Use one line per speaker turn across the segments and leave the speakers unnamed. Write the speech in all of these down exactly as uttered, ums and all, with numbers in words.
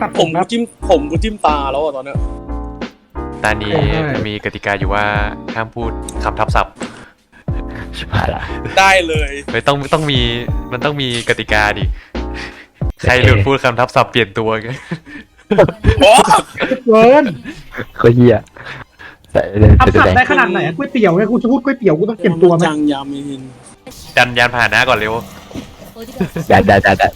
ตัด
ผม
ครับ
จิ้มผมกูจิ้มตาแล้วอะตอนเนี้ย
ตอนนี้มีกติกาอยู่ว่าห้ามพูดคำทับศัพท์
ชิบหายละ
ได้เลย
ไม่ต้องต้องมีมันต้องมีกติกาดิใครหลุดพูดคำทับศัพท์เปลี่ยนตัวกัน
โอ้
เกิน
ก็เฮียแต่เดิน
ทับ
จะ
ศัพ
แดง
ท์ได้ขนาดไหนก๋วยเตี๋ยวเนี่ยกูจะพูดก๋วยเตี๋ยวกูต้องเปลี่ยนตัวไหม
จังยามิน
ดันยานผ่านหน้าก่อนเร็ว
ได้ได้ได้ได้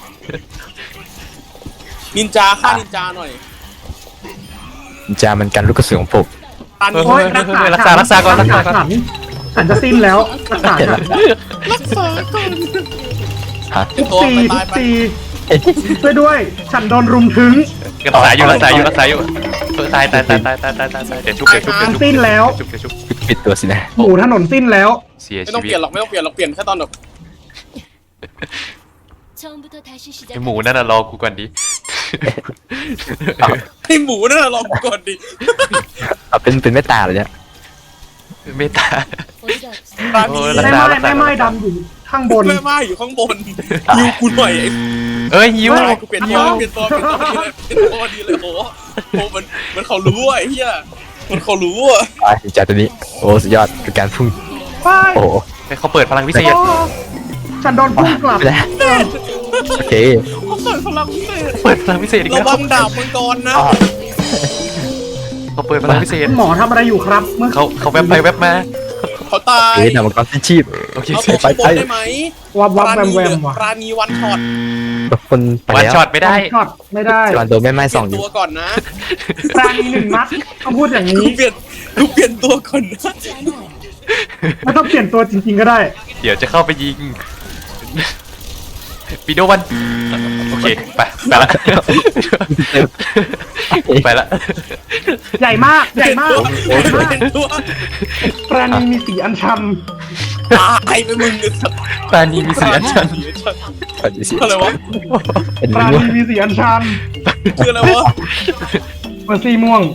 นินจาฆ่านินจาหน่อย
จามันกันลูกกระสุนของผม
ตัน
เฮ้ย
โอ้ย
เฮ้ยเฮ้ยรักษารักษาก่อนรักษาก่อน
ฉันฉันจะสิ้นแล้วรักษาฉัน
รักษาก่อน
ฮะ
ตัว
ตี
ไปตายไป
ตีช่วยด้วย ฉันโดนรุมถึง
รักษาอยู่รักษาอยู่รักษาอยู่เออตายตายตายตายตายตายตายตายเดี๋ยวชุบเดี๋ยวชุบเดี๋ยวชุบ
สิ้นแล้ว
เดี๋ยวชุบเดี๋ยวชุบ
ปิดตัวสินะ
หมูถนนสิ้นแล้ว
เสีย
ไม่
ชี
ต้อง
วิ
เป
ต
ลี่ยนหรอกไม่ต้องเปลี่ยนหรอกเปลี่ยนแค่ตอนแบบ
ไอหมูนั่นน่ะรอกูก่อนดิ
ให้หมูนั่นนะลองก่อนดิ
เอาเป็นเป็นแม่ตาเลยเนี่ย
เมตตา
ร้าน
โอ้
นี้
ยรัก
แม่
ษา
ไม้แม่ไม้ดำอยู่ข้างบน
แม่ไม้อยู่ข้างบนยิวกูหน่อยไอ้
เอ้ยยิ้ว
ตายกูเปลี่ยนตัวเปลี่ยนตัวเปลี่ยนตัวดีเลยเปลี่ยนตัวดีเลยโอ้โหโอ้มันมันเขารู้อ่ะไอ้เหี้ยมันเขารู้อ่ะ
อ่ะจาตัวนี้โอ้สุดยอดเป็นการพุ่ง
ไป
โอ้โห
ให้เขาเปิดพลังพิเศษ
โอ้ฉันโดนพุ่งกลับ
ไปแล้วโอเค
เขาเปิดพลังพิเศษ
เปิดพลังพิเศษอีก
ระ
แล้ว
วังดาบมังกรนะ
อ๋อ
เขาเปิดพลังพิเศษ
คุณหมอทำอะไรอยู่ครับเมื่อ
เขาเขาแวบไปแวบมา
เขาตาย
เอ๊ะนำมังกรสิ้นชีพ
โอเค
เอาตัวข้างบนได้ไหม
วับวับแวมแว
เหลื
มว่ะ
ราณีวันช็อต
ทุกคนไป
วัน
แล้ว
ช็อตไม่ได้
ช็อตไม่ได้
จวันโดนแม่ไม้
เป
ส่
ลี่
อย ง
น
อยู่
ตัวก่อนนะ
ปราณีหนึ่งนัดต้องพูดอย่าง
กู
นี้
เปลี่ยนกูเปลี่ยนตัวก่อนนะ
ไม่ต้องเปลี่ยนตัวจริงๆก็ได้
เดี๋ยวจะเข้าไปยิงปีโดวันโอเคไปไปละไปละ
ใหญ่มากใหญ่มากใหญ่มาก
เปลี่ยนตัว
ปราณีมีสีอัญชัน
ตายไปมึงเนี่ยสัตว์
ตานีมีเสียงฉัน
ปฏิเสธ
อะไรวะ
เป็น
ปรา
มั่ว
ณีมีสีอัญชัน
คืออะไรวะ
เมอร์ซี่ม่วง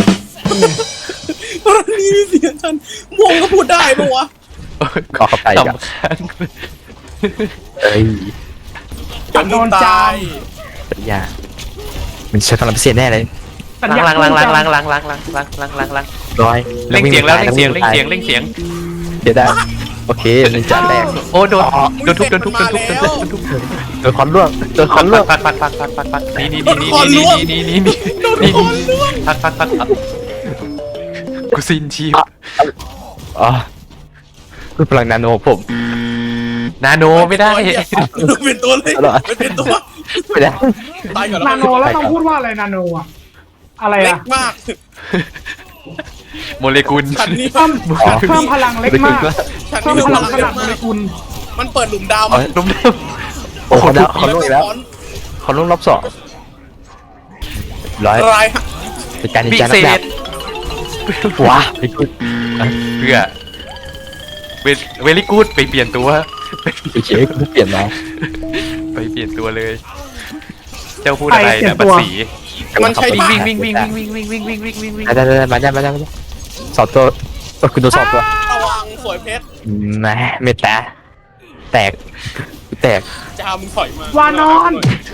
ราณีมีเสียงฉันม่วงก็พูดได้ปะวะ
ขอเข้าไปกับ
สำคัญ
เอ้ย
อย่างนี้ตาย
ปัญญามันใช้พลังพิเศษแน่เลย
สัญญา
ล้างล้างล้างล้างล้างล้างล้างล้างล้างล้างล้าง
ร้อย
เล่งเสียงแล้วเล่งเสียงเล่งเสียงเล่งเสียง
เดี๋ยวได้โอเคนินจาแตก
โอ้โดนโดนทุบโดนทุบโดนทุบโดนทุบโดนทุบ
โดนคอนล่วงโดนคอนล่วง
ปัดปัดปัดปัดปัดปัดนี่นี่นี่นี่นี่นี่นี่นี่นี่ปัดปัดปัดกูสิ้นชีพ
อ๋อคือพลังนาโนผม
นาโนไม่ได้
เปลี่ยนตัวเลยเปลี่ยนตัว
ไม่ได้
ตายก่อน
นาโนแล้วต้องพูดว่าอะไรนาโนอะอะไร
เล็
อะ
กมาก
โมเลกุล
ฉันนี่
เพิ่มเพิ่มพลังเล็กมาก
ฉัน
เพิ่ม
นี่
พ
พ
ลั
ลั
ง
ง
ข
เย
นาด
อะ
โม
มา
เล
ก
กุล
มันเปิดหลุมด
ลุมเดิม
โอ้เขาแล้วเขา
ำ
ล่วงอีกแล้วเขาล่วงรอบสองร้อย
ราย
เป็นการนิน
พิ
จา
เศ
นักดา
ษ
บว้าไม่พูด
เพื่อเวเวลิกูดไปเปลี่ยนตัว
โอเคกูเปลี่ยนมา
ไปเปลี่ยนตัวเลย เจ้าพูดอะไรนะบัตรสี
มันใช้
วิ่ง
ปาก
วิ่งวิ่งวิ่งวิ่งวิ่งวิ่งวิ่งวิ่งวิ่งวิ่ง
ได้ได้ได้มาได้มาได้มาได้สองตัวตัวคุณตัวสองตัว
ระวังสวยเพชร
แม่เมตตาแตกแตก
จามถอยมาว
านอน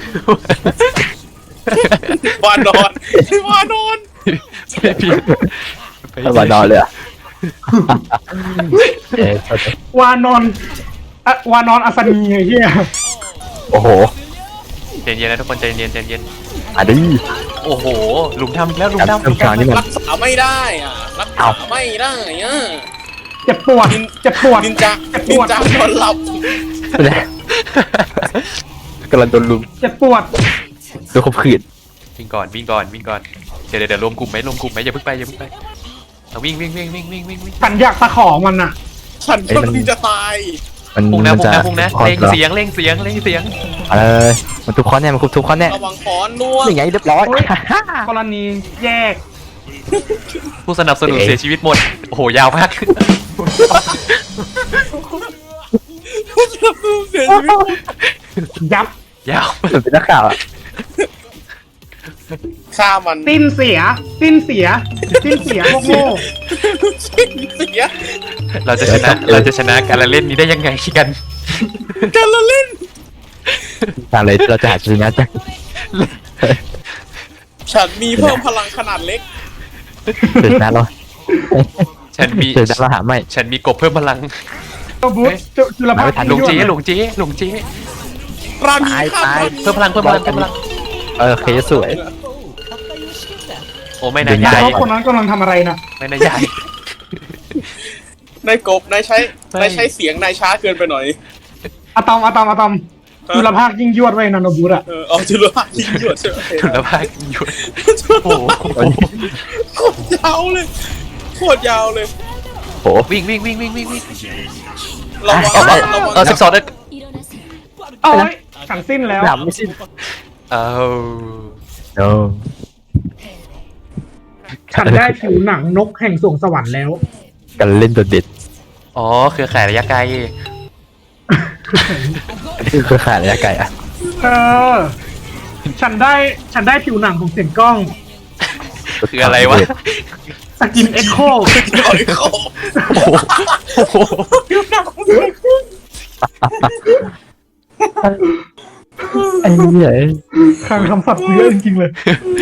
วานอนวานอน
ไปเปลี่ยนไป
มานอนเลยอ่ะเอ๊ะ
วานอนอะวานอนอัศนีไอ้เหี้ย
โอ้โห
ใจเย็นนะทุกคนใจเย็นใจเย็น
อ่ะดิ
โอ้โหหลุมทำอีกแล้วหลุม
การ
ทำ
เติมกลางนี่มัน
รักษาไม่ได้อ่ะรักษาไม่ได้อ่ะ
เจ็บปวดเจ็บปวด
นินจานินจานอนหลับ
ไม่ได้กำลังโดนลุม
เจ็บปวด
โดนข่มขืน
วิ่งก่อนวิ่งก่อนวิ่งก่อนเดี๋ยวเดี๋ยวรวมกลุ่มไหมรวมกลุ่มไหมอย่าเพิ่งไปอย่าเพิ่งไปเอาวิ่งวิ่งวิ่งวิ่งวิ่งวิ่งวิ่ง
ฉันอยากตะขอมันอะ
ฉันกำลังจะตาย
มัน
พุ่งนะ
มัน
พุ่ง
จะ
นะพุ่งนะเล่งเสียงเล่งเสียงเล่งเสียง
เออมันทุกคอนแน่มันคุบทุกคอนแน่
ระวังค้อนล่วง
ยังไงเรียบร้อย
กรณีแยก
ผู้สนับสนุนเสียชีวิตหมดโอ้โหยาวมาก
เสียชีวิต
ยับ
ยาว
เหมือนเป็นนักข่าวอ่ะ
ฆ่ามัน
สิ้นเสีย สิ้นเสีย สิ้นเสียพวกโง่
สิ้นเสีย
เราจะชนะเราจะชนะการละเล่นนี้ได้ยังไงกัน
การละเล่น
ทางเลยเราจะหาชนะจาก
ฉันมีเพิ่มพลังขนาดเล็ก
เดี๋ยวนะเรา
ฉันมี
เดี๋ยวนะเราหาไม่
ฉันมีกบเพิ่มพลัง
เจ้าบูธเจ้าจุลภาค
หลงเจ๊หลงเจ๊หลงเจ๊
รามีข้ามรามี
เพิ่มพลังเพิ่มพลังเพิ่มพลัง
เออเคสวย
โอ้ไม่นาย
เดี๋
ให
ยว
ญ่
เพราะคนนั้นกำลังทำอะไรนะ
ไม่นายใหญ่
นายกบนายใช้
ไม่
นายใช้เสียงนายช้าเกินไปหน่อย
อะตอมอะตอมอะตอมจุลภาคยิ่งยวดไว้นันบูธอะ
เออเอาจุลภาคยิงหยวดใช่ไหม
จุลภาคหยุดโอ้โห
โคตรยาวเลยโคตรยาวเลย
โอ้
วิ่งวิ่งวิ่งวิ่งวิ่งวิ่ง
ระวัง
เอาเอา
ระวัง
เอาสิบสองเด้
เอ้ยฉันสิ้นแล้ว
หนำไม่สิ้น
เอา
โอ้
ฉันได้ผิวหนังนกแห่งสวงสวรรค์แล้ว
กันเล่นตัวเด็ด
อ๋อเครือข่ายระยะไกล
อันนี้คือเครือข่ายระยะไกลอ่ะ
เออ ฉันได้ฉันได้ผิวหนังของเสียงกล้อง
คืออะไรวะ
สกินเอ็กโค
เอาอีกข้อ
โอ้โห
ไอ้เนี่ย
คลังคำศัพท์กูเยอะจริงๆเลย